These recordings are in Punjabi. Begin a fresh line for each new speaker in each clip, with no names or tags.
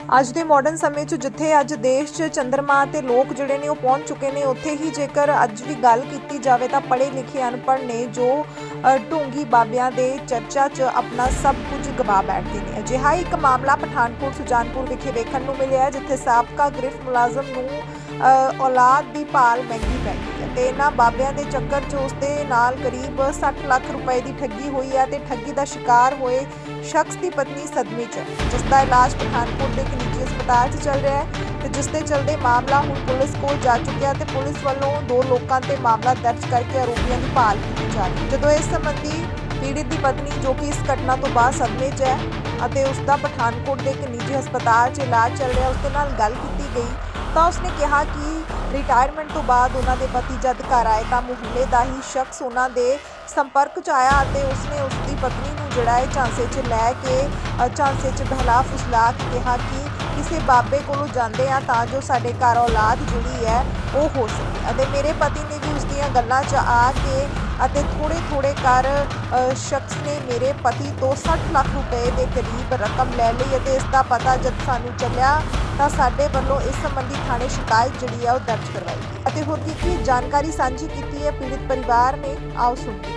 ਅੱਜ ਦੇ ਮਾਡਰਨ ਸਮੇਂ 'ਚ ਜਿੱਥੇ ਅੱਜ ਦੇਸ਼ 'ਚ ਚੰਦਰਮਾ ਤੇ ਲੋਕ ਜਿਹੜੇ ਨੇ ਉਹ ਪਹੁੰਚ ਚੁੱਕੇ ਨੇ, ਉੱਥੇ ਹੀ ਜੇਕਰ ਅੱਜ ਦੀ ਗੱਲ ਕੀਤੀ ਜਾਵੇ ਤਾਂ ਪੜ੍ਹੇ ਲਿਖੇ ਅਨਪੜ੍ਹ ਨੇ ਜੋ ਢੋਂਗੀ ਬਾਬਿਆਂ ਦੇ ਚਰਚਾ 'ਚ ਆਪਣਾ ਸਭ ਕੁਝ ਗਵਾ ਬੈਠਦੇ ਨੇ। ਅਜਿਹਾ ਇੱਕ ਮਾਮਲਾ ਪਠਾਨਕੋਟ ਸੁਜਾਨਪੁਰ ਵਿਖੇ ਵੇਖਣ ਨੂੰ ਮਿਲਿਆ, ਜਿੱਥੇ ਸਾਬਕਾ ਗ੍ਰਿਫ ਮੁਲਾਜ਼ਮ ਨੂੰ ਔਲਾਦ ਦੀ ਭਾਲ ਮਹਿੰਗੀ ਪੈ ਗਈ ਹੈ ਤੇ ਇਹਨਾਂ ਬਾਬਿਆਂ ਦੇ ਚੱਕਰ 'ਚ ਉਸ ਦੇ ਨਾਲ ਕਰੀਬ 60 ਲੱਖ ਰੁਪਏ ਦੀ ਠੱਗੀ ਹੋਈ ਹੈ ਤੇ ਠੱਗੀ ਦਾ ਸ਼ਿਕਾਰ ਹੋਏ ਸ਼ਖਸ ਦੀ ਪਤਨੀ ਸਦਮੇ 'ਚ, ਜਿਸ ਦਾ ਇਲਾਜ ਪਠਾਨਕੋਟ ਦੇ ਇੱਕ ਨਿੱਜੀ ਹਸਪਤਾਲ 'ਚ ਚੱਲ ਰਿਹਾ ਹੈ ਤੇ ਜਿਸ ਦੇ ਚਲਦੇ ਮਾਮਲਾ ਹੁਣ ਪੁਲਿਸ ਕੋਲ ਜਾ ਚੁੱਕਿਆ ਤੇ ਪੁਲਿਸ ਵੱਲੋਂ 2 ਲੋਕਾਂ ਤੇ ਮਾਮਲਾ ਦਰਜ ਕਰਕੇ ਆਰੋਪੀਆਂ ਦੀ ਭਾਲ ਕੀਤੀ ਜਾ ਰਹੀ ਹੈ। ਜਦੋਂ ਇਸ ਸੰਬੰਧੀ ਪੀੜਿਤ ਦੀ ਪਤਨੀ, ਜੋ ਕਿ ਇਸ ਘਟਨਾ ਤੋਂ ਬਾਅਦ ਸਦਮੇ 'ਚ ਹੈ ਅਤੇ ਉਸ ਦਾ ਪਠਾਨਕੋਟ ਦੇ ਇੱਕ ਨਿੱਜੀ ਹਸਪਤਾਲ 'ਚ ਇਲਾਜ ਚੱਲ ਰਿਹਾ, ਉਸ ਦੇ ਨਾਲ ਗੱਲ ਕੀਤੀ ਗਈ ਤਾਂ ਉਸਨੇ ਕਿਹਾ ਕਿ ਰਿਟਾਇਰਮੈਂਟ ਤੋਂ ਬਾਅਦ ਉਹਨਾਂ ਦੇ ਪਤੀ ਜਦ ਘਰ ਆਏ ਤਾਂ ਮੁਹੱਲੇ ਦਾ ਹੀ ਸ਼ਖਸ ਉਹਨਾਂ ਦੇ ਸੰਪਰਕ 'ਚ ਆਇਆ ਅਤੇ ਉਸਨੇ ਉਸ ਦੀ ਪਤਨੀ ਨੂੰ ਜਿਹੜਾ ਹੈ ਝਾਂਸੇ 'ਚ ਲੈ ਕੇ ਝਾਂਸੇ 'ਚ ਬਹਿਲਾ ਫੁਸਲਾ ਕੇ ਕਿਹਾ ਕਿ ਕਿਸੇ ਬਾਬੇ ਕੋਲੋਂ ਜਾਂਦੇ ਆ ਤਾਂ ਜੋ ਸਾਡੇ ਘਰ ਔਲਾਦ ਜਿਹੜੀ ਹੈ ਉਹ ਹੋ ਸਕੇ ਅਤੇ ਮੇਰੇ ਪਤੀ ਨੇ ਵੀ ਉਸ ਦੀਆਂ ਗੱਲਾਂ 'ਚ ਆ ਕੇ ਅਤੇ ਥੋੜੇ ਕਰ ਸ਼ਖਸ ਨੇ ਮੇਰੇ ਪਤੀ ਤੋਂ 60 ਲੱਖ ਰੁਪਏ ਦੇ ਕਰੀਬ ਰਕਮ ਲੈ ਲਈ ਅਤੇ ਇਸ ਦਾ ਪਤਾ ਜਦ ਸਾਨੂੰ ਚੱਲਿਆ ਤਾਂ ਸਾਡੇ ਵੱਲੋਂ ਇਸ ਸੰਬੰਧੀ ਥਾਣੇ ਸ਼ਿਕਾਇਤ ਜਿਹੜੀ ਹੈ ਉਹ ਦਰਜ ਕਰਵਾਈ ਗਈ ਅਤੇ ਹੋਰ ਕੀ ਜਾਣਕਾਰੀ ਸਾਂਝੀ ਕੀਤੀ ਹੈ ਪੀੜਿਤ ਪਰਿਵਾਰ ਨੇ, ਆਓ ਸੁਣੀਏ।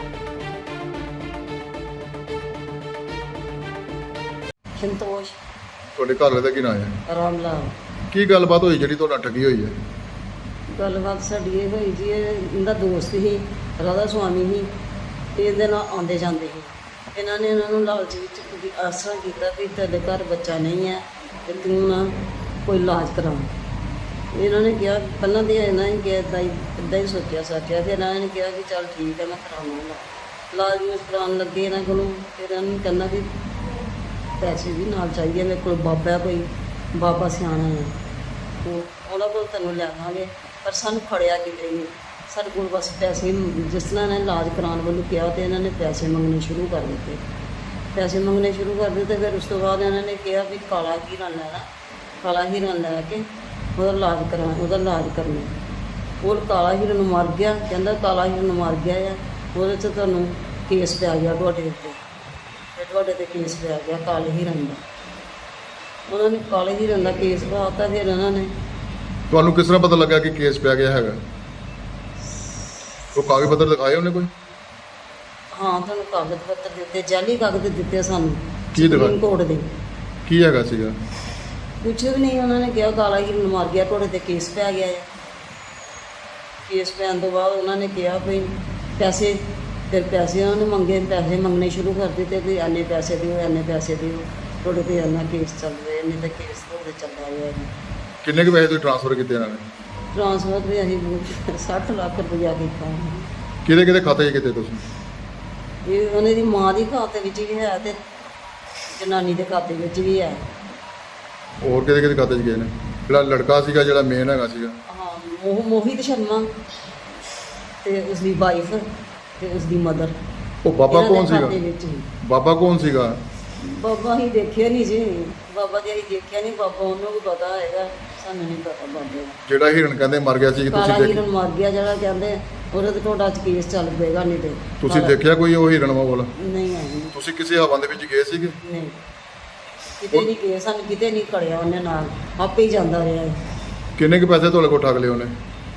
ਸੰਤੋਸ਼
ਤੁਹਾਡੇ ਘਰ ਵਾਲੇ ਦਾ ਕੀ ਨਾਮ ਹੈ?
ਰਾਮ ਲਾਲ।
ਕੀ ਗੱਲਬਾਤ ਹੋਈ ਜਿਹੜੀ ਤੁਹਾਡਾ ਠੱਗੀ ਹੋਈ ਹੈ?
ਗੱਲਬਾਤ ਸਾਡੀ ਇਹ ਹੋਈ ਜੀ, ਇਹਦਾ ਦੋਸਤ ਸੀ, ਰਾਧਾ ਸੁਆਮੀ ਸੀ ਤੇ ਇਹਦੇ ਨਾਲ ਆਉਂਦੇ ਜਾਂਦੇ ਸੀ। ਇਹਨਾਂ ਨੇ ਇਹਨਾਂ ਨੂੰ ਲਾਲਚ ਵਿੱਚ ਆਸਰਾ ਕੀਤਾ ਵੀ ਤੁਹਾਡੇ ਘਰ ਬੱਚਾ ਨਹੀਂ ਹੈ ਤੇ ਤੂੰ ਨਾ ਕੋਈ ਇਲਾਜ ਕਰਾ। ਇਹਨਾਂ ਨੇ ਕਿਹਾ, ਪਹਿਲਾਂ ਤਾਂ ਇਹਨਾਂ ਨੇ ਕਿਹਾ ਇੱਦਾਂ ਹੀ ਸੋਚਿਆ ਸਾਚਿਆ, ਫਿਰ ਇਹਨਾਂ ਨੇ ਕਿਹਾ ਕਿ ਚੱਲ ਠੀਕ ਹੈ ਮੈਂ ਕਰਾਵਾਂਗਾ। ਇਲਾਜ ਨੂੰ ਕਰਾਉਣ ਲੱਗੇ ਇਹਨਾਂ ਕੋਲੋਂ, ਫਿਰ ਇਹਨਾਂ ਨੂੰ ਕਹਿੰਦਾ ਵੀ ਪੈਸੇ ਵੀ ਨਾਲ ਚਾਹੀਦੇ, ਮੇਰੇ ਕੋਲ ਬਾਬਾ ਕੋਈ ਬਾਬਾ ਸਿਆਣਾ ਹੈ, ਉਹਨਾਂ ਕੋਲ ਤੈਨੂੰ ਲਿਆਵਾਂਗੇ, ਪਰ ਸਾਨੂੰ ਖੜਿਆ ਕਿਤੇ ਨਹੀਂ। ਸਾਡੇ ਕੋਲ ਬਸ ਪੈਸੇ, ਜਿਸ ਤਰ੍ਹਾਂ ਇਹਨਾਂ ਨੇ ਇਲਾਜ ਕਰਾਉਣ ਵੱਲੋਂ ਕਿਹਾ ਤੇ ਇਹਨਾਂ ਨੇ ਪੈਸੇ ਮੰਗਣੇ ਸ਼ੁਰੂ ਕਰ ਦਿੱਤੇ। ਫਿਰ ਉਸ ਤੋਂ ਬਾਅਦ ਇਹਨਾਂ ਨੇ ਕਿਹਾ ਵੀ ਕਾਲਾ ਹੀਰਾ ਲੈਣਾ, ਕਾਲਾ ਹੀਰਾ ਲੈ ਕੇ ਉਹਦਾ ਇਲਾਜ ਕਰਨਾ। ਉਹ ਕਾਲਾ ਹੀਰਾ ਨੂੰ ਮਰ ਗਿਆ, ਕਹਿੰਦਾ ਕਾਲਾ ਹੀਰਾ ਨੂੰ ਮਰ ਗਿਆ ਆ, ਉਹਦੇ 'ਚ ਤੁਹਾਨੂੰ ਕੇਸ ਪੈ ਗਿਆ ਤੁਹਾਡੇ ਉੱਤੇ, ਤੇ ਤੁਹਾਡੇ 'ਤੇ ਕੇਸ ਪੈ ਗਿਆ ਕਾਲੇ ਹੀਰਨ ਦਾ। ਉਹਨਾਂ ਨੇ ਕਾਲੇ ਹੀਰਨ ਦਾ ਕੇਸ ਪਾਤਾ। ਫਿਰ ਇਹਨਾਂ ਨੇ
ਤੁਹਾਨੂੰ ਕਿਸ ਤਰ੍ਹਾਂ ਪਤਾ ਲੱਗਾ ਕਿ ਕੇਸ ਪੈ ਗਿਆ ਹੈਗਾ? ਉਹ ਕਾਗਜ਼ ਪੱਤਰ ਦਿਖਾਏ ਉਹਨੇ ਕੋਈ?
ਹਾਂ, ਤੁਹਾਨੂੰ ਕਾਗਜ਼ ਪੱਤਰ ਦਿੱਤੇ, ਜਾਲੀ ਕਾਗਜ਼ ਦਿੱਤੇ ਸਾਨੂੰ।
ਕੀ ਦਿਖਾ?
ਸੁਪਰੀਮ ਕੋਰਟ ਦੇ।
ਕੀ ਹੈਗਾ ਸੀਗਾ?
ਕੁਛ ਵੀ ਨਹੀਂ, ਉਹਨਾਂ ਨੇ ਕਿਹਾ ਕਾਲਾ ਹੀਰਨ ਮਰ ਗਿਆ, ਤੁਹਾਡੇ 'ਤੇ ਕੇਸ ਪੈ ਗਿਆ ਹੈ। ਕੇਸ ਪੈਣ ਤੋਂ ਬਾਅਦ ਉਹਨਾਂ ਨੇ ਕਿਹਾ ਵੀ ਪੈਸੇ, ਫਿਰ ਪੈਸੇ ਉਹਨਾਂ ਨੇ ਮੰਗੇ, ਪੈਸੇ ਮੰਗਣੇ ਸ਼ੁਰੂ ਕਰ ਦਿੱਤੇ ਵੀ ਇੰਨੇ ਪੈਸੇ ਦਿਓ, ਇੰਨੇ ਪੈਸੇ ਦਿਓ, ਤੁਹਾਡੇ 'ਤੇ ਇੰਨਾ ਕੇਸ ਚੱਲ ਰਿਹਾ, ਇੰਨੇ ਤਾਂ ਕੇਸ ਤੁਹਾਡੇ ਚੱਲ ਰਿਹਾ।
ਕਿੰਨੇ ਕੁ ਪੈਸੇ ਤੁਸੀਂ ਟ੍ਰਾਂਸਫਰ ਕੀਤੇ ਇਹਨਾਂ ਨੇ?
ਟ੍ਰਾਂਸਫਰ ਵੀ ਅਸੀਂ 60 ਲੱਖ ਰੁਪਇਆ ਕੀਤਾ।
ਕਿਹਦੇ ਖਾਤੇ 'ਚ ਕੀਤੇ ਤੁਸੀਂ?
ਇਹ ਉਹਨਾਂ ਦੀ ਮਾਂ ਦੀ ਖਾਤੇ ਵਿੱਚ ਵੀ ਹੈ ਤੇ ਜਨਾਨੀ ਦੇ ਖਾਤੇ ਵਿੱਚ ਵੀ ਹੈ।
ਹੋਰ ਕਿਹਦੇ ਖਾਤੇ 'ਚ ਗਏ ਨੇ? ਜਿਹੜਾ ਲੜਕਾ ਸੀਗਾ, ਜਿਹੜਾ ਮੇਨ ਹੈਗਾ ਸੀਗਾ?
ਹਾਂ, ਮੋਹਿਤ ਸ਼ਰਮਾ ਤੇ ਉਸਦੀ ਵਾਈਫ ਤੇ ਉਸਦੀ ਮਦਰ।
ਉਹ ਬਾਬਾ ਕੌਣ ਸੀਗਾ? ਬਾਬਾ ਕੌਣ ਸੀਗਾ?
ਬਾਬਾ ਹੀ ਦੇਖਿਆ ਨਹੀਂ ਜੀ, ਬਾਬਾ ਜੀ ਅਸੀਂ ਦੇਖਿਆ ਨਹੀਂ, ਬਾਬਾ ਉਹਨੂੰ ਵੀ ਪਤਾ ਹੈਗਾ, ਸਾਨੂੰ ਨਹੀਂ ਪਤਾ ਬਾਬੇ ਦਾ।
ਜਿਹੜਾ ਹਿਰਨ ਕਹਿੰਦੇ ਮਰ ਗਿਆ ਸੀ, ਕਿ
ਕਾਲਾ
ਤੁਸੀਂ
ਹਿਰਨ ਮਰ ਗਿਆ ਜਿਹੜਾ ਕਹਿੰਦੇ, ਉਹਦੇ ਤੇ ਤੁਹਾਡਾ ਕੇਸ ਚੱਲ ਪਏਗਾ। ਨਹੀਂ ਤੇ
ਤੁਸੀਂ ਦੇਖਿਆ ਕੋਈ ਉਹ ਹਿਰਨ ਵਾਲਾ?
ਨਹੀਂ ਆਈ।
ਤੁਸੀਂ ਕਿਸੇ ਹਵਾ ਦੇ ਵਿੱਚ ਗਏ ਸੀਗੇ?
ਨਹੀਂ, ਕਿਤੇ ਨਹੀਂ ਗਏ, ਸਾਨੂੰ ਕਿਤੇ ਨਹੀਂ ਖੜਿਆ ਉਹਨੇ, ਨਾਲ ਆਪੇ ਹੀ ਜਾਂਦਾ ਰਿਹਾ।
ਕਿੰਨੇ ਕੁ ਪੈਸੇ ਤੁਹਾਡੇ ਕੋਲ ਠੱਗ ਲਏ ਉਹਨੇ?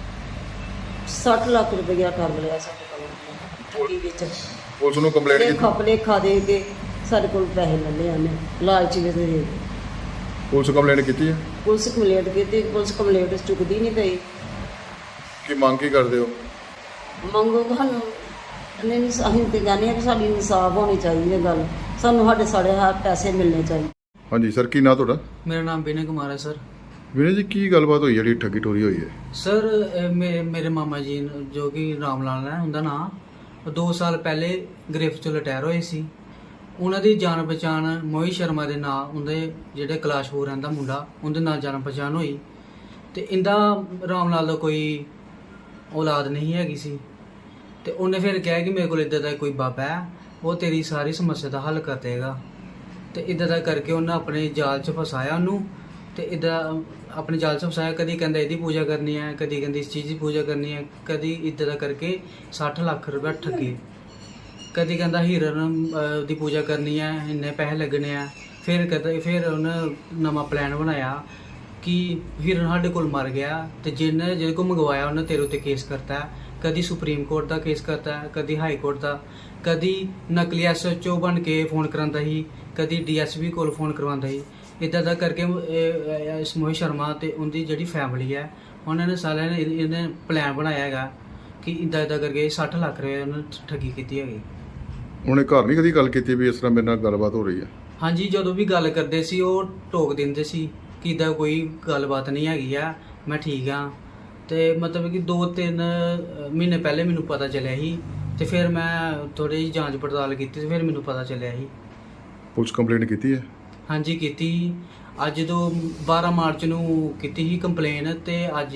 60 ਲੱਖ ਰੁਪਇਆ ਠੱਗ ਲਿਆ ਸਾਡੇ ਕੋਲੋਂ ਠੱਗੀ ਵਿੱਚ।
ਪੁਲਿਸ ਨੂੰ ਕੰਪਲੇਂਟ ਕੀਤੀ?
ਖਪਲੇ ਖਾ ਦੇ ਕੇ ਸਾਡੇ ਕੋਲ ਪੈਸੇ ਲੈ ਲਏ ਉਹਨੇ, ਲਾਲਚ ਵਿੱਚ ਦੇ ਕੇ।
ਪੁਲਿਸ ਕੰਪਲੇਂਟ ਕੀਤੀ ਹੈ?
ਪੁਲਿਸ ਕੰਪਲੇਂਟ ਕੀਤੀ, ਪੁਲਿਸ ਕੰਪਲੇਂਟ ਚੁੱਕਦੀ ਨਹੀਂ ਪਈ।
ਕੀ ਮੰਗ ਕੀ ਕਰਦੇ ਹੋ?
ਮੰਗੋ ਸਾਨੂੰ ਨਹੀਂ, ਅਸੀਂ ਤੇ ਕਹਿੰਦੇ ਹਾਂ ਕਿ ਸਾਡੀ ਇਨਸਾਫ ਹੋਣੀ ਚਾਹੀਦੀ ਹੈ। ਗੱਲ ਸਾਨੂੰ ਸਾਡੇ ਪੈਸੇ ਮਿਲਣੇ ਚਾਹੀਦੇ।
ਹਾਂਜੀ ਸਰ, ਕੀ ਨਾਂ ਤੁਹਾਡਾ?
ਮੇਰਾ ਨਾਮ ਵਿਨੇ ਕੁਮਾਰ ਹੈ ਸਰ।
ਵੀਰੇ ਜੀ, ਕੀ ਗੱਲਬਾਤ ਹੋਈ ਜਿਹੜੀ ਠੱਗੀ ਟੋਰੀ ਹੋਈ ਹੈ?
ਸਰ ਮੇਰੇ ਮਾਮਾ ਜੀ ਜੋ ਕਿ ਰਾਮ ਲਾਲ ਹੈ ਉਹਦਾ ਨਾਂ, 2 ਸਾਲ ਪਹਿਲੇ ਗ੍ਰਿਫ ਚੋਂ ਰਿਟਾਇਰ ਹੋਏ ਸੀ। ਉਹਨਾਂ ਦੀ ਜਾਣ ਪਛਾਣ ਮੋਹਿਤ ਸ਼ਰਮਾ ਦੇ ਨਾਂ, ਉਹਦੇ ਜਿਹੜੇ ਕਲਾਸ਼ਪੁਰ ਰਹਿੰਦਾ ਮੁੰਡਾ, ਉਹਦੇ ਨਾਲ ਜਾਣ ਪਛਾਣ ਹੋਈ ਤੇ ਇਹਦਾ ਰਾਮ ਲਾਲ ਦਾ ਕੋਈ ਔਲਾਦ ਨਹੀਂ ਹੈਗੀ ਸੀ ਤੇ ਉਹਨੇ ਫਿਰ ਕਿਹਾ ਕਿ ਮੇਰੇ ਕੋਲ ਇੱਦਾਂ ਦਾ ਕੋਈ ਬਾਬਾ ਹੈ, ਉਹ ਤੇਰੀ ਸਾਰੀ ਸਮੱਸਿਆ ਦਾ ਹੱਲ ਕਰ ਦੇਗਾ। ਤੇ ਇੱਦਾਂ ਦਾ ਕਰਕੇ ਉਹਨੇ ਆਪਣੇ ਜਾਲ 'ਚ ਫਸਾਇਆ ਉਹਨੂੰ, ਤੇ ਇੱਦਾਂ ਆਪਣੇ ਜਾਲ 'ਚ ਫਸਾਇਆ। ਕਦੀ ਕਹਿੰਦਾ ਇਹਦੀ ਪੂਜਾ ਕਰਨੀ ਹੈ, ਕਦੀ ਕਹਿੰਦੀ ਇਸ ਚੀਜ਼ ਦੀ ਪੂਜਾ ਕਰਨੀ ਹੈ, ਕਦੀ ਇੱਦਾਂ ਦਾ ਕਰਕੇ 60 ਲੱਖ ਰੁਪਏ ਠੱਗੇ। ਕਦੀ ਕਹਿੰਦਾ ਹੀਰਨ ਦੀ ਪੂਜਾ ਕਰਨੀ ਹੈ, ਇੰਨੇ ਪੈਸੇ ਲੱਗਣੇ ਆ, ਫਿਰ ਉਹਨੇ ਨਵਾਂ ਪਲਾਨ ਬਣਾਇਆ ਕਿ ਹਿਰਨ ਸਾਡੇ ਕੋਲ ਮਰ ਗਿਆ ਤੇ ਜਿਹਦੇ ਕੋਲ ਮੰਗਵਾਇਆ ਉਹਨੇ ਤੇਰੇ ਉੱਤੇ ਕੇਸ ਕਰਤਾ ਹੈ। ਕਦੀ ਸੁਪਰੀਮ ਕੋਰਟ ਦਾ ਕੇਸ ਕਰਤਾ ਹੈ, ਕਦੀ ਹਾਈ ਕੋਰਟ ਦਾ, ਕਦੀ ਨਕਲੀ SHO ਬਣ ਕੇ ਫੋਨ ਕਰਾਉਂਦਾ ਸੀ, ਕਦੀ DSP ਕੋਲ ਫੋਨ ਕਰਵਾਉਂਦਾ ਸੀ। ਇੱਦਾਂ ਦਾ ਕਰਕੇ ਇਸ ਮੋਹਿਤ ਸ਼ਰਮਾ ਤੇ ਉਹਦੀ ਜਿਹੜੀ ਫੈਮਿਲੀ ਹੈ ਉਹਨਾਂ ਨੇ ਸਾਰਿਆਂ ਨੇ ਇਹਨੇ ਪਲਾਨ ਬਣਾਇਆ ਹੈਗਾ ਕਿ ਇੱਦਾਂ ਕਰਕੇ 60 ਲੱਖ ਰੁਪਏ ਉਹਨੇ ਠੱਗੀ ਕੀਤੀ ਹੈਗੀ।
ਉਹਨੇ ਘਰ ਨਹੀਂ ਕਦੀ ਗੱਲ ਕੀਤੀ ਵੀ ਇਸ ਤਰ੍ਹਾਂ ਮੇਰੇ ਨਾਲ ਗੱਲਬਾਤ ਹੋ ਰਹੀ ਹੈ?
ਹਾਂਜੀ, ਜਦੋਂ ਵੀ ਗੱਲ ਕਰਦੇ ਸੀ ਉਹ ਟੋਕ ਦਿੰਦੇ ਸੀ ਕਿ ਇੱਦਾਂ ਕੋਈ ਗੱਲਬਾਤ ਨਹੀਂ ਹੈਗੀ ਆ, ਮੈਂ ਠੀਕ ਹਾਂ। ਤੇ ਮਤਲਬ ਕਿ 2-3 ਮਹੀਨੇ ਪਹਿਲੇ ਮੈਨੂੰ ਪਤਾ ਚੱਲਿਆ ਸੀ ਤੇ ਫਿਰ ਮੈਂ ਥੋੜੀ ਜਿਹੀ ਜਾਂਚ ਪੜਤਾਲ ਕੀਤੀ ਤੇ ਫਿਰ ਮੈਨੂੰ ਪਤਾ ਚੱਲਿਆ ਸੀ।
ਪੁਲਿਸ ਕੰਪਲੇਂਟ ਕੀਤੀ ਹੈ?
ਹਾਂਜੀ ਕੀਤੀ। ਅੱਜ ਤੋਂ 12 ਮਾਰਚ ਨੂੰ ਕੀਤੀ ਸੀ ਕੰਪਲੇਨ ਤੇ ਅੱਜ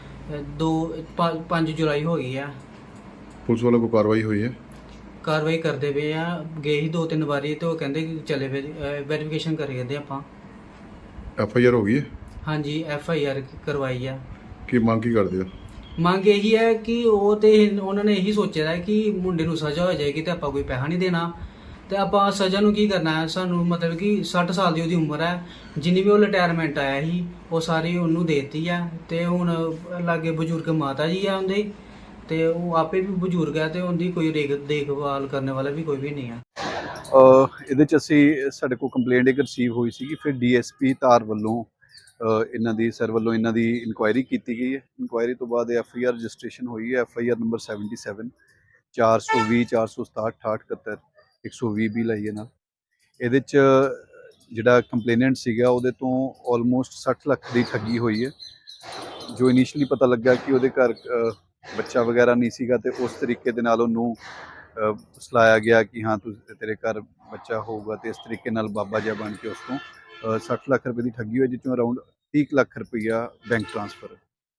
5 ਜੁਲਾਈ ਹੋ ਗਈ ਆ।
ਪੁਲਿਸ ਵੱਲੋਂ ਕੋਈ ਕਾਰਵਾਈ ਹੋਈ ਹੈ?
ਕਾਰਵਾਈ ਕਰਦੇ ਪਏ ਆ, ਗਏ ਸੀ 2-3 ਵਾਰੀ ਤੇ ਉਹ ਕਹਿੰਦੇ ਕਿ ਚਲੇ ਵੈਰੀਫਿਕੇਸ਼ਨ ਕਰੀ ਜਾਂਦੇ ਆਪਾਂ।
FIR ਹੋ ਗਈ ਹੈ?
ਹਾਂਜੀ FIR ਕਰਵਾਈ ਆ।
ਕੀ ਮੰਗ ਕੀ ਕਰਦੇ ਹੋ?
ਮੰਗ ਇਹੀ ਹੈ ਕਿ ਉਹਨਾਂ ਨੇ ਇਹੀ ਸੋਚਿਆ ਹੈ ਕਿ ਮੁੰਡੇ ਨੂੰ ਸਜ਼ਾ ਹੋ ਜਾਏਗੀ ਤੇ ਆਪਾਂ ਕੋਈ ਪੈਸਾ ਨਹੀਂ ਦੇਣਾ ਤੇ ਆਪਾਂ ਸਜ਼ਾ ਨੂੰ ਕੀ ਕਰਨਾ ਹੈ। ਸਾਨੂੰ ਮਤਲਬ ਕਿ 60 ਸਾਲ ਦੀ ਉਹਦੀ ਉਮਰ ਹੈ, ਜਿੰਨੀ ਵੀ ਉਹ ਰਿਟਾਇਰਮੈਂਟ ਆਇਆ ਸੀ ਉਹ ਸਾਰੀ ਉਹਨੂੰ ਦੇਤੀ ਆ ਤੇ ਹੁਣ ਲਾਗੇ ਬਜ਼ੁਰਗ ਮਾਤਾ ਜੀ ਆ ਉਹਦੇ ਤੇ ਉਹ ਆਪੇ ਵੀ ਬਜ਼ੁਰਗ ਹੈ ਤੇ ਉਹਦੀ ਕੋਈ ਦੇਖਭਾਲ ਕਰਨ ਵਾਲਾ ਵੀ ਕੋਈ ਵੀ ਨਹੀਂ ਆ।
ਇਹਦੇ 'ਚ ਸਾਡੇ ਕੋਲ ਕੰਪਲੇਂਟ ਇੱਕ ਰਿਸੀਵ ਹੋਈ ਸੀ ਫਿਰ DSP ਧਾਰ ਵੱਲੋਂ ਇਹਨਾਂ ਦੀ ਇਹਨਾਂ ਦੀ ਇਨਕੁਆਇਰੀ ਕੀਤੀ ਗਈ ਹੈ। ਇਨਕੁਆਇਰੀ ਤੋਂ ਬਾਅਦ FIR ਰਜਿਸਟ੍ਰੇਸ਼ਨ ਹੋਈ ਹੈ। FIR ਨੰਬਰ 77 420 467 68 120 ਵੀ ਲਈ ਹੈ ਨਾਲ। ਇਹਦੇ 'ਚ ਜਿਹੜਾ ਕੰਪਲੇਨੈਂਟ ਸੀਗਾ ਉਹਦੇ ਤੋਂ ਆਲਮੋਸਟ 60 ਲੱਖ ਦੀ ਠੱਗੀ ਹੋਈ ਹੈ। ਜੋ ਇਨੀਸ਼ੀਅਲੀ ਪਤਾ ਲੱਗਾ ਕਿ ਉਹਦੇ ਘਰ ਬੱਚਾ ਵਗੈਰਾ ਨਹੀਂ ਸੀਗਾ ਤੇ ਉਸ ਤਰੀਕੇ ਦੇ ਨਾਲ ਉਹਨੂੰ ਸਲਾਇਆ ਗਿਆ ਕਿ ਹਾਂ ਤੇਰੇ ਘਰ ਬੱਚਾ ਹੋਊਗਾ ਤੇ ਇਸ ਤਰੀਕੇ ਨਾਲ ਬਾਬਾ ਜਿਹਾ ਬਣ ਕੇ ਉਸ ਤੋਂ 60 ਲੱਖ ਰੁਪਏ ਦੀ ਠੱਗੀ ਹੋਈ, ਜਿਸ ਤੋਂ ਅਰਾਊਂਡ 30 ਲੱਖ ਰੁਪਈਆ ਬੈਂਕ ਟ੍ਰਾਂਸਫਰ।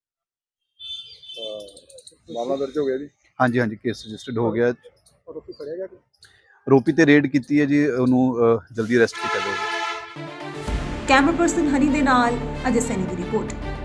ਮਾਮਲਾ ਦਰਜ ਹੋ ਗਿਆ ਜੀ?
ਹਾਂਜੀ ਹਾਂਜੀ, ਕੇਸ ਰਜਿਸਟਰਡ ਹੋ ਗਿਆ। ਆਰੋਪੀ ਤੇ ਰੇਡ ਕੀਤੀ ਹੈ ਜੀ, ਉਹਨੂੰ ਜਲਦੀ ਅਰੈਸਟ ਕੀਤਾ ਜਾਵੇਗਾ।
ਕੈਮਰਾ ਪਰਸਨ ਹਨੀ ਦੇ ਨਾਲ ਅਜੇ ਸੈਨੀ ਦੀ ਰਿਪੋਰਟ।